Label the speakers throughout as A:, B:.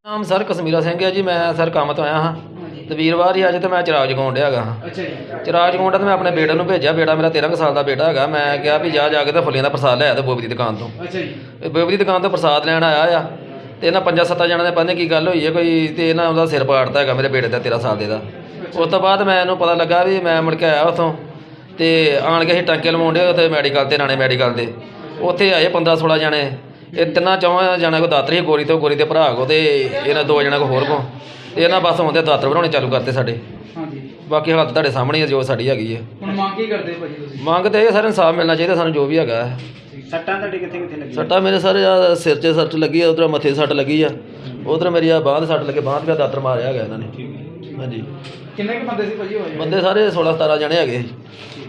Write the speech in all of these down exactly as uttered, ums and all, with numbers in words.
A: ਨਾਮ ਸਰ ਕਸ਼ਮੀਰਾ ਸਿੰਘ ਹੈ ਜੀ। ਮੈਂ ਸਰ ਕੰਮ ਤੋਂ ਆਇਆ ਹਾਂ ਤੇ ਵੀਰਵਾਰ ਹੀ ਅੱਜ ਤੇ ਮੈਂ ਚਿਰਾਗ ਜਗਾਉਣ ਡਿਆ ਹੈਗਾ ਹਾਂ।
B: ਅੱਛਾ ਜੀ।
A: ਚਿਰਾਗ ਜਗਾਉਣ ਤਾਂ ਮੈਂ ਆਪਣੇ ਬੇਟੇ ਨੂੰ ਭੇਜਿਆ। ਬੇਟਾ ਮੇਰਾ ਤੇਰ੍ਹਾਂ ਕੁ ਸਾਲ ਦਾ ਬੇਟਾ ਹੈਗਾ। ਮੈਂ ਕਿਹਾ ਵੀ ਜਾ ਜਾ ਕੇ ਤਾਂ ਫੁੱਲੀਆਂ ਦਾ ਪ੍ਰਸਾਦ ਲੈ ਆ ਤੇ ਬੋਬੀ ਦੀ ਦੁਕਾਨ ਤੋਂ।
B: ਅੱਛਾ ਜੀ।
A: ਇਹ ਬੋਬੀ ਦੀ ਦੁਕਾਨ ਤੋਂ ਪ੍ਰਸਾਦ ਲੈਣ ਆਇਆ ਆ ਤੇ ਇਹਨਾਂ ਪੰਜਾਂ ਸੱਤਾਂ ਜਣਿਆਂ ਨੇ ਪਤਾ ਨਹੀਂ ਕੀ ਗੱਲ ਹੋਈ ਹੈ ਕੋਈ, ਤੇ ਇਹਨਾਂ ਉਹਦਾ ਸਿਰ ਪਾੜਤਾ ਹੈਗਾ ਮੇਰੇ ਬੇਟੇ ਦਾ ਤੇਰ੍ਹਾਂ ਸਾਲ ਦੇ ਦਾ। ਉਸ ਤੋਂ ਬਾਅਦ ਮੈਂ ਇਹਨੂੰ ਪਤਾ ਲੱਗਾ ਵੀ ਮੈਂ ਮੁੜ ਕੇ ਆਇਆ ਉੱਥੋਂ ਤੇ ਆਣ ਕੇ ਅਸੀਂ ਟਾਂਕੇ ਲਵਾਉਣ ਡੇ ਉੱਥੇ ਮੈਡੀਕਲ ਤੇ ਰਾਣੇ ਮੈਡੀਕਲ ਦੇ। ਉੱਥੇ ਆਏ ਪੰਦਰਾਂ ਸੋਲਾਂ ਜਣੇ। ਇਹ ਤਿੰਨਾਂ ਚੌਹਾਂ ਜਣਿਆਂ ਕੋ ਦਾਤਰ ਸੀ, ਗੋਰੀ ਤੋਂ ਗੋਰੀ ਦੇ ਭਰਾ ਕੋ ਤੇ ਇਹਨਾਂ ਦੋ ਜਣਿਆਂ ਕੋ ਹੋਰ ਕੋ। ਤੇ ਇਹਨਾਂ ਬਸ ਆਉਂਦੇ ਦਾਤਰ ਬਣਾਉਣੇ ਚਾਲੂ ਕਰਤੇ ਸਾਡੇ।
B: ਹਾਂਜੀ।
A: ਬਾਕੀ ਹਾਲਤ ਤੁਹਾਡੇ ਸਾਹਮਣੇ ਹੈ ਜੋ ਸਾਡੀ ਹੈਗੀ ਹੈ।
B: ਹੁਣ ਮੰਗ ਕੀ ਕਰਦੇ ਭਾਜੀ ਤੁਸੀਂ?
A: ਮੰਗ ਤੇ ਇਹ ਸਰ ਇਨਸਾਫ ਮਿਲਣਾ ਚਾਹੀਦਾ ਸਾਨੂੰ ਜੋ ਵੀ ਹੈਗਾ।
B: ਸੱਟਾਂ ਤੁਹਾਡੇ ਕਿੱਥੇ ਕਿੱਥੇ ਲੱਗੀਆਂ?
A: ਸੱਟਾਂ ਮੇਰੇ ਸਰ ਆਹ ਸਿਰ 'ਚ ਸੱਟ ਲੱਗੀ ਆ, ਉਧਰ ਮੱਥੇ 'ਤੇ ਸੱਟ ਲੱਗੀ ਆ, ਉਧਰ ਮੇਰੀ ਆ ਬਾਂਹ 'ਤੇ ਸੱਟ ਲੱਗੇ, ਬਾਂਹ 'ਤੇ ਦਾਤਰ ਮਾਰਿਆ ਹੈਗਾ ਇਹਨਾਂ ਨੇ। ਹਾਂਜੀ।
B: ਕਿੰਨੇ ਕੁ ਬੰਦੇ ਸੀ ਭਾਜੀ ਹੋਏ?
A: ਬੰਦੇ ਸਾਰੇ ਸੋਲਾਂ ਸਤਾਰਾਂ ਜਣੇ ਹੈਗੇ ਸੀ।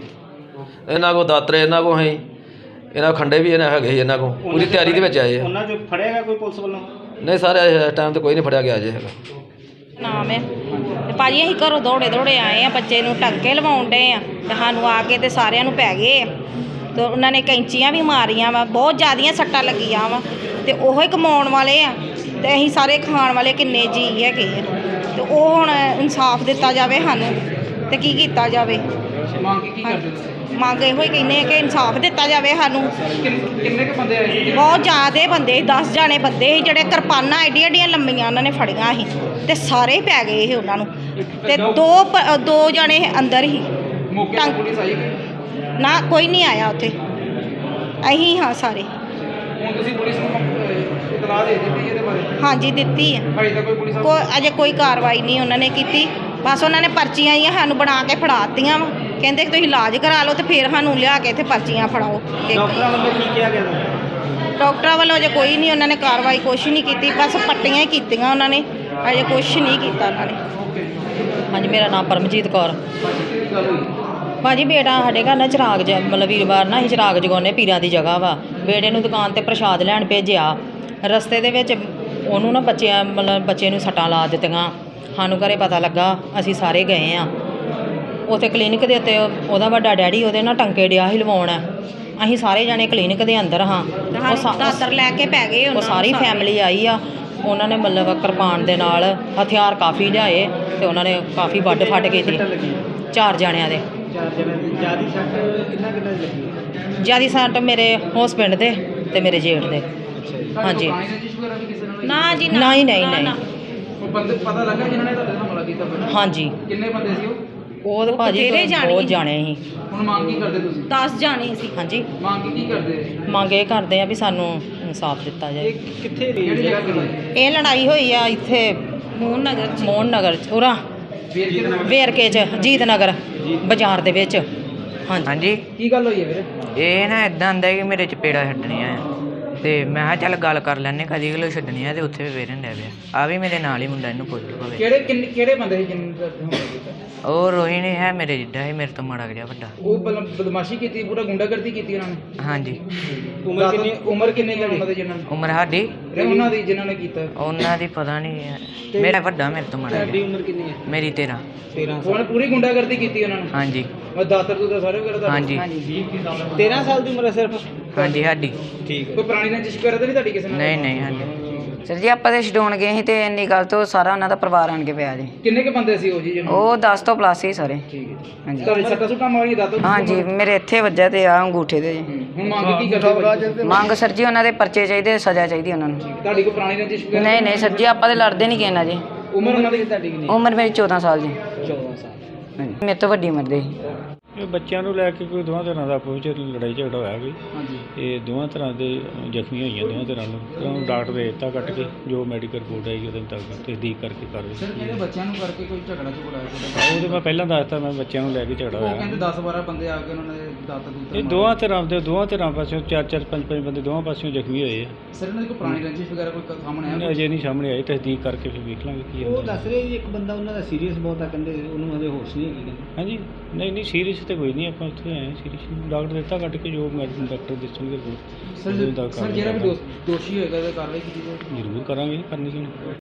A: ਇਹਨਾਂ ਕੋਲ ਦਾਤਰ ਇਹਨਾਂ ਕੋਲ ਹੈ, ਇਹਨਾਂ ਖੰਡੇ ਵੀ ਇਹਨਾਂ ਹੈਗੇ ਸੀ ਇਹਨਾਂ ਕੋਲ। ਪੂਰੀ ਤਿਆਰੀ ਦੇ ਵਿੱਚ ਆਏ ਆ।
B: ਉਹਨਾਂ 'ਚੋਂ ਫੜਿਆ ਗਿਆ ਕੋਈ ਪੁਲਿਸ ਵੱਲੋਂ?
A: ਨਹੀਂ ਸਰ ਇਸ ਟਾਈਮ ਤੇ ਕੋਈ ਨਹੀਂ ਫੜਿਆ ਗਿਆ ਅਜੇ ਹੈਗਾ।
C: ਨਾਮ ਹੈ ਤੇ ਭਾਜੀ ਅਸੀਂ ਘਰੋਂ ਦੌੜੇ ਦੌੜੇ ਆਏ ਆ, ਬੱਚੇ ਨੂੰ ਟੰਕੇ ਲਵਾਉਣ ਡੇ ਆ ਤੇ ਸਾਨੂੰ ਆ ਕੇ ਤੇ ਸਾਰਿਆਂ ਨੂੰ ਪੈ ਗਏ ਆ ਤੇ ਉਹਨਾਂ ਨੇ ਕੈਂਚੀਆਂ ਵੀ ਮਾਰੀਆਂ ਵਾ, ਬਹੁਤ ਜ਼ਿਆਦੀਆਂ ਸੱਟਾਂ ਲੱਗੀਆਂ ਵਾ ਤੇ ਉਹੋ ਹੀ ਕਮਾਉਣ ਵਾਲੇ ਆ ਤੇ ਅਸੀਂ ਸਾਰੇ ਖਾਣ ਵਾਲੇ ਕਿੰਨੇ ਜੀ ਹੈਗੇ ਆ ਤੇ ਉਹ ਹੁਣ ਇਨਸਾਫ ਦਿੱਤਾ ਜਾਵੇ ਸਾਨੂੰ ਤੇ ਕੀ ਕੀਤਾ ਜਾਵੇ।
B: ਮੰਗ ਕੀ ਕਰਦੇ ਤੁਸੀਂ?
C: ਮੰਗ ਇਹੋ ਹੀ ਕਹਿੰਦੇ ਆ ਕਿ ਇਨਸਾਫ ਦਿੱਤਾ ਜਾਵੇ ਸਾਨੂੰ।
B: ਕਿੰਨੇ ਕੁ ਬੰਦੇ ਆਏ ਸੀ?
C: ਬਹੁਤ ਜ਼ਿਆਦੇ ਬੰਦੇ, ਦਸ ਜਾਣੇ ਬੰਦੇ ਸੀ ਜਿਹੜੇ ਕਿਰਪਾਨਾਂ ਐਡੀਆਂ ਐਡੀਆਂ ਲੰਮੀਆਂ ਉਹਨਾਂ ਨੇ ਫੜੀਆਂ ਸੀ ਤੇ ਸਾਰੇ ਹੀ ਪੈ ਗਏ ਸੀ ਉਹਨਾਂ ਨੂੰ। ਤੇ ਦੋ ਪ- ਦੋ ਜਾਣੇ ਅੰਦਰ ਹੀ।
B: ਮੌਕੇ ਤੇ ਪੁਲਿਸ ਆਈ ਕਿ
C: ਨਾ ਕੋਈ ਨਹੀਂ ਆਇਆ ਉੱਥੇ, ਅਸੀਂ ਹਾਂ ਸਾਰੇ।
B: ਹੁਣ ਤੁਸੀਂ ਪੁਲਿਸ ਨੂੰ ਅਹ, ਇਤਲਾਹ ਦੇ ਦਿੱਤੀ ਇਹਦੇ ਬਾਰੇ?
C: ਹਾਂਜੀ ਦਿੱਤੀ ਹੈ।
B: ਭਾਈ ਤਾਂ ਕੋਈ ਪੁਲਿਸ
C: ਕੋਈ ਅਜੇ ਕੋਈ ਕਾਰਵਾਈ ਨਹੀਂ ਉਹਨਾਂ ਨੇ ਕੀਤੀ। ਬਸ ਉਹਨਾਂ ਨੇ ਪਰਚੀਆਂ ਹੀ ਸਾਨੂੰ ਬਣਾ ਕੇ ਫੜਾ ਦਿੱਤੀਆਂ ਵਾ, ਕਹਿੰਦੇ ਕਿ ਤੁਸੀਂ ਇਲਾਜ ਕਰਾ ਲਓ ਤੇ ਫਿਰ ਸਾਨੂੰ ਲਿਆ ਕੇ ਇੱਥੇ ਪਰਚੀਆਂ ਫੜਾਓ।
B: ਡਾਕਟਰਾਂ ਵੱਲੋਂ ਕੀ ਕਿਹਾ ਗਿਆ?
C: ਡਾਕਟਰਾਂ ਵੱਲੋਂ ਅਜੇ ਕੋਈ ਨਹੀਂ, ਉਹਨਾਂ ਨੇ ਕਾਰਵਾਈ ਕੁਛ ਨਹੀਂ ਕੀਤੀ, ਬਸ ਪੱਟੀਆਂ ਹੀ ਕੀਤੀਆਂ ਉਹਨਾਂ ਨੇ, ਅਜੇ ਕੁਛ ਨਹੀਂ ਕੀਤਾ ਉਹਨਾਂ ਨੇ।
D: ਹਾਂਜੀ, ਮੇਰਾ ਨਾਮ ਪਰਮਜੀਤ ਕੌਰ।
B: ਕੀ ਗੱਲ ਹੋਈ?
D: ਭਾਜੀ ਬੇਟਾ ਸਾਡੇ ਘਰ ਨਾ ਚਿਰਾਗ ਜ ਮਤਲਬ ਵੀਰਵਾਰ ਨਾ ਅਸੀਂ ਚਿਰਾਗ ਜਗਾਉਂਦੇ ਪੀਰਾਂ ਦੀ ਜਗ੍ਹਾ ਵਾ। ਬੇਟੇ ਨੂੰ ਦੁਕਾਨ 'ਤੇ ਪ੍ਰਸ਼ਾਦ ਲੈਣ ਭੇਜਿਆ। ਰਸਤੇ ਦੇ ਵਿੱਚ ਉਹਨੂੰ ਨਾ ਬੱਚਿਆਂ ਮਤਲਬ ਬੱਚੇ ਨੂੰ ਸੱਟਾਂ ਲਾ ਦਿੱਤੀਆਂ। ਸਾਨੂੰ ਘਰੇ ਪਤਾ ਲੱਗਾ, ਅਸੀਂ ਸਾਰੇ ਗਏ ਆ ਉੱਥੇ ਕਲੀਨਿਕ ਦੇ ਉੱਤੇ। ਉਹਦਾ ਵੱਡਾ ਡੈਡੀ ਉਹਦੇ ਨਾਲ ਟੰਕੇ ਡਿਆ ਸੀ ਲਵਾਉਣ। ਅਸੀਂ ਸਾਰੇ ਜਾਣੇ ਕਲੀਨਿਕ ਦੇ ਅੰਦਰ ਹਾਂ। ਉਹ ਸਾ-
C: ਦਾਤਰ ਲੈ ਕੇ ਪੈ ਗਏ
D: ਉਹ ਸਾਰੀ ਫੈਮਿਲੀ ਆਈ ਆ। ਉਹਨਾਂ ਨੇ ਮਤਲਬ ਕਿਰਪਾਨ ਦੇ ਨਾਲ ਹਥਿਆਰ ਕਾਫੀ ਲਿਆਏ ਤੇ ਉਹਨਾਂ ਨੇ ਕਾਫੀ ਵੱਢ ਫੱਟ ਕੀਤੀ ਚਾਰ ਜਣਿਆਂ ਦੇ।
B: ਚਾਰ ਜਣੇ ਦੀ ਜਿਆਦੀ ਸੱਟ ਕਿੰਨਾ ਕਿੰਨਾ ਲੱਗੀ?
D: ਜਿਆਦੀ ਸੱਟ ਮੇਰੇ ਹਸਬੈਂਡ ਦੇ ਤੇ ਮੇਰੇ ਜੇਠ ਦੇ। ਹਾਂਜੀ।
B: ਰਜਿਸਟਰ ਵਗੈਰਾ ਵੀ ਕਿਸੇ ਨਾਲ?
C: ਨਾ ਜੀ
D: ਨਹੀਂ ਨਹੀਂ ਨਹੀਂ।
B: ਉਹ ਬੰਦੇ ਪਤਾ ਲੱਗਾ ਜਿਨ੍ਹਾਂ ਨੇ ਤੁਹਾਡੇ ਨਾਲ ਹਮਲਾ ਕੀਤਾ ਫਿਰ?
D: ਹਾਂਜੀ।
B: ਕਿੰਨੇ ਬੰਦੇ ਸੀ ਉਹ?
D: ਉਹ ਤਾਂ ਭਾਜੀ
C: ਬਥੇਰੇ ਜਾਣੇ
D: ਬਹੁਤ
C: ਸੀ।
D: ਜਾਣੇ ਸੀ।
B: ਹੁਣ ਮੰਗ ਕੀ ਕਰਦੇ ਤੁਸੀਂ?
C: ਦਸ ਜਾਣੇ ਸੀ।
D: ਹਾਂਜੀ।
B: ਮੰਗ ਕੀ ਕਰਦੇ?
D: ਮੰਗ ਇਹ ਕਰਦੇ ਆ ਵੀ ਸਾਨੂੰ ਇਨਸਾਫ ਦਿੱਤਾ ਜਾਏ।
B: ਇਹ ਕਿੱਥੇ ਕਿਹੜੀ ਜਗ੍ਹਾ ਤੇ?
D: ਇਹ ਲੜਾਈ ਹੋਈ ਆ ਇੱਥੇ
C: ਮੋਹਨ ਨਗਰ ਚ।
D: ਮੋਹਨ ਨਗਰ ਚ, ਉਰਾ
B: ਵੀਰ ਕਿਹਦੇ ਨਾਲ?
D: ਵੇਰਕੇ ਚ, ਜੀਤ ਨਗਰ ਬਾਜ਼ਾਰ ਦੇ ਵਿੱਚ। ਹਾਂਜੀ।
E: ਹਾਂਜੀ,
B: ਕੀ ਗੱਲ ਹੋਈ ਹੈ ਵੀਰੇ?
E: ਇਹ ਨਾ ਇਦਾਂ ਹੁੰਦਾ ਕਿ ਮੇਰੇ ਚਪੇੜਾ ਛੱਡਣੀਆਂ ਆ ਤੇ ਮੈਂ ਕਿਹਾ ਚੱਲ ਗੱਲ ਕਰ ਲੈਂਦੇ ਕਦੀ ਕਿਲੋ ਛੱਡਣੀ ਆ ਤੇ ਉੱਥੇ ਵੀ ਵੇਰਨ ਡਿਆ ਪਿਆ। ਆ ਵੀ ਮੇਰੇ ਨਾਲ ਹੀ ਮੁੰਡਾ, ਇਹਨੂੰ ਪੁੱਛ ਲਓ ਭਾਵੇਂ।
B: ਕਿਹੜੇ ਕਿੰਨੇ ਕਿਹੜੇ ਬੰਦੇ ਸੀ ਜਿਨ੍ਹਾਂ ਦਾ ਹਮਲਾ ਕੀਤਾ?
E: ਉਹ ਰੋਹਿਣ ਹੈ ਮੇਰੇ ਜਿੱਡਾ ਸੀ, ਮੇਰੇ ਤੋਂ ਮਾੜਾ ਗਿਆ ਵੱਡਾ।
B: ਉਹ ਬਲ- ਬਦਮਾਸ਼ੀ ਕੀਤੀ, ਪੂਰਾ ਗੁੰਡਾਗਰਦੀ ਕੀਤੀ ਉਹਨਾਂ ਨੇ?
E: ਹਾਂਜੀ।
B: ਉਮਰ ਕਿੰਨੀ ਉਮਰ ਕਿੰਨੀ ਹੈ ਉਹਨਾਂ ਦੀ ਜਿਨ੍ਹਾਂ ਨੇ?
E: ਉਮਰ ਸਾਡੀ
B: ਤੇ ਉਹਨਾਂ ਦੀ ਜਿਨ੍ਹਾਂ ਨੇ ਕੀਤਾ?
E: ਉਹਨਾਂ ਦੀ ਪਤਾ ਨਹੀਂ, ਮੇਰਾ ਵੱਡਾ ਮੇਰੇ ਤੋਂ ਮਾੜਾ
B: ਤੁਹਾਡੀ
E: ਗਿਆ।
B: ਉਮਰ ਕਿੰਨੀ ਹੈ?
E: ਮੇਰੀ ਤੇਰਾਂ।
B: ਤੇਰਾਂ ਸਾਲ। ਉਹਨਾਂ ਨੇ ਪੂਰੀ ਗੁੰਡਾਗਰਦੀ ਕੀਤੀ ਉਹਨਾਂ ਨੇ?
E: ਹਾਂਜੀ
B: ਮੈਂ ਦਾਤਰ ਦੂਤਰ ਸਾਰੇ ਵਗੈਰਾ ਦਾ?
E: ਹਾਂਜੀ
B: ਤੇਰਾਂ ਸਾਲ ਦੀ ਉਮਰ ਹੈ ਸਿਰਫ?
E: ਹਾਂਜੀ ਸਾਡੀ।
B: ਠੀਕ। ਕੋਈ ਪੁਰਾਣੀ ਰੰਜਿਸ਼ ਵਗੈਰਾ ਤਾਂ ਨਹੀਂ ਤੁਹਾਡੀ ਕਿਸੇ ਨਾਲ?
E: ਨਹੀਂ ਨਹੀਂ ਹਾਂਜੀ।
F: ਸਰ ਜੀ ਆਪਾਂ ਤੇ ਛਡਾਉਣ ਗਏ ਸੀ ਤੇ ਇੰਨੀ ਗੱਲ ਤੋਂ ਸਾਰਾ ਉਹਨਾਂ ਦਾ ਪਰਿਵਾਰ ਆਣ ਕੇ ਪਿਆ ਜੀ।
B: ਕਿੰਨੇ ਕੇ ਬੰਦੇ ਸੀ ਉਹ ਜੀ ਜਿਹਨਾਂ?
F: ਉਹ ਦਸ ਤੋਂ ਪਲੱਸ ਸੀ ਸਾਰੇ।
B: ਠੀਕ ਹੈ।
F: ਹਾਂਜੀ
B: ਤੁਹਾਡੀ ਸੱਟਾਂ ਸੁੱਟਾਂ ਮਾਰੀਆਂ ਦਾਤਰ?
F: ਹਾਂਜੀ, ਮੇਰੇ ਇੱਥੇ ਵੱਜਾ ਤੇ ਆ ਅੰਗੂਠੇ ਤੇ ਜੀ।
B: ਹੁਣ ਮੰਗ ਕੀ ਕਰਦੇ?
F: ਮੰਗ ਸਰ ਜੀ ਉਹਨਾਂ ਦੇ ਪਰਚੇ ਚਾਹੀਦੇ, ਸਜ਼ਾ ਚਾਹੀਦੀ ਉਹਨਾਂ ਨੂੰ।
B: ਤੁਹਾਡੀ ਕੋਈ ਪੁਰਾਣੀ ਰੰਜਿਸ਼ ਵਗੈਰਾ?
F: ਨਹੀਂ ਨਹੀਂ ਸਰ ਜੀ, ਆਪਾਂ ਤੇ ਲੜਦੇ ਨਹੀਂ ਕਿਸੇ ਨਾਲ ਜੀ।
B: ਉਮਰ ਉਹਨਾਂ ਦੀ ਤੁਹਾਡੀ ਕਿੰਨੀ?
F: ਉਮਰ ਮੇਰੀ ਚੌਦਾਂ ਸਾਲ ਜੀ।
B: ਚੌਦਾਂ ਸਾਲ।
F: ਹਾਂਜੀ, ਮੇਰੇ ਤੋਂ ਵੱਡੀ ਉਮਰ ਦੇ ਸੀ।
G: ਇਹ ਬੱਚਿਆਂ ਨੂੰ ਲੈ ਕੇ ਕੋਈ ਦੋਵਾਂ ਤਰ੍ਹਾਂ ਦਾ ਆਪਸ ਵਿੱਚ ਲੜਾਈ ਝਗੜਾ ਹੋਇਆ ਕੋਈ।
B: ਹਾਂਜੀ।
G: ਇਹ ਦੋਵਾਂ ਤਰ੍ਹਾਂ ਦੇ ਜ਼ਖਮੀ ਹੋਈਆਂ ਦੋਵਾਂ ਤਰ੍ਹਾਂ ਨੂੰ। ਤੇ ਉਹਨੂੰ ਡਾਕਟਰ ਦੇ ਦਿੱਤਾ ਕੱਟ ਕੇ, ਜੋ ਮੈਡੀਕਲ ਰਿਪੋਰਟ ਆਈ ਉਹਦੇ ਮੁਤਾਬਕ ਤਸਦੀਕ ਕਰਕੇ ਕਰ
B: ਸਰ
G: ਰਹੀ।
B: ਜਿਹੜੇ ਬੱਚਿਆਂ ਨੂੰ ਕਰਕੇ ਕੋਈ ਝਗੜਾ ਝਗੜਾ ਹੋਇਆ?
G: ਉਹਦੇ ਮੈਂ ਪਹਿਲਾਂ ਦੱਸਤਾ, ਮੈਂ ਬੱਚਿਆਂ ਨੂੰ ਲੈ ਕੇ ਝਗੜਾ
B: ਉਹ
G: ਹੋਇਆ।
B: ਕਹਿੰਦੇ ਦਸ ਬਾਰਾਂ ਬੰਦੇ ਆ ਕੇ ਉਹਨਾਂ ਨੇ ਦਾਤਰ ਦੂਤਰ
G: ਇਹ ਦੋਵਾਂ ਤਰ੍ਹਾਂ ਦੇ ਦੋਵਾਂ ਤਰ੍ਹਾਂ ਪਾਸਿਓਂ ਚਾਰ ਚਾਰ ਪੰਜ ਪੰਜ ਬੰਦੇ ਦੋਵਾਂ ਪਾਸਿਓਂ ਜ਼ਖਮੀ ਹੋਏ ਆ।
B: ਸਰ ਇਹਨਾਂ ਦੀ ਕੋਈ ਪੁਰਾਣੀ ਰੰਜਿਸ਼ ਵਗੈਰਾ ਕੋਈ ਸਾਹਮਣੇ ਆਇਆ?
G: ਅਜੇ ਨਹੀਂ ਸਾਹਮਣੇ ਆਈ, ਤਸਦੀਕ ਕਰਕੇ ਫਿਰ ਵੇਖ ਲਾਂਗੇ ਕੀ
H: ਉਹ
G: ਹੁੰਦਾ।
H: ਦੱਸ ਰਹੇ ਜੀ ਇੱਕ ਬੰਦਾ ਉਹਨਾਂ ਦਾ ਸੀਰੀਅਸ ਬਹੁਤ ਆ, ਕਹਿੰਦੇ ਉਹਨੂੰ ਹਜੇ ਹੋਸ਼ ਨਹੀਂ ਹੈਗੀ।
G: ਹਾਂਜੀ, ਨਹੀਂ ਨਹੀਂ ਸੀਰੀਅਸ ਤੇ ਕੋਈ ਨਹੀਂ, ਆਪਾਂ ਉੱਥੇ ਆਏ ਹਾਂ ਸੀਰੀਅਸ ਡਾਕਟਰ ਦਿੱਤਾ ਕੱਟ ਕੇ, ਜੋ ਮੈਡੀਸਨ ਡਾਕਟਰ ਦੱਸਣਗੇ
B: ਸਰ ਸਰ ਜਿਹੜਾ ਵੀ ਦੋਸ਼- ਦੋਸ਼ੀ ਹੋਏਗਾ ਤਾਂ ਕਾਰਵਾਈ ਕੀਤੀ ਜਾਏਗੀ?
G: ਜ਼ਰੂਰ ਕਰਾਂਗੇ, ਕਰਨੀ ਕਿਉਂ ਨਹੀਂ।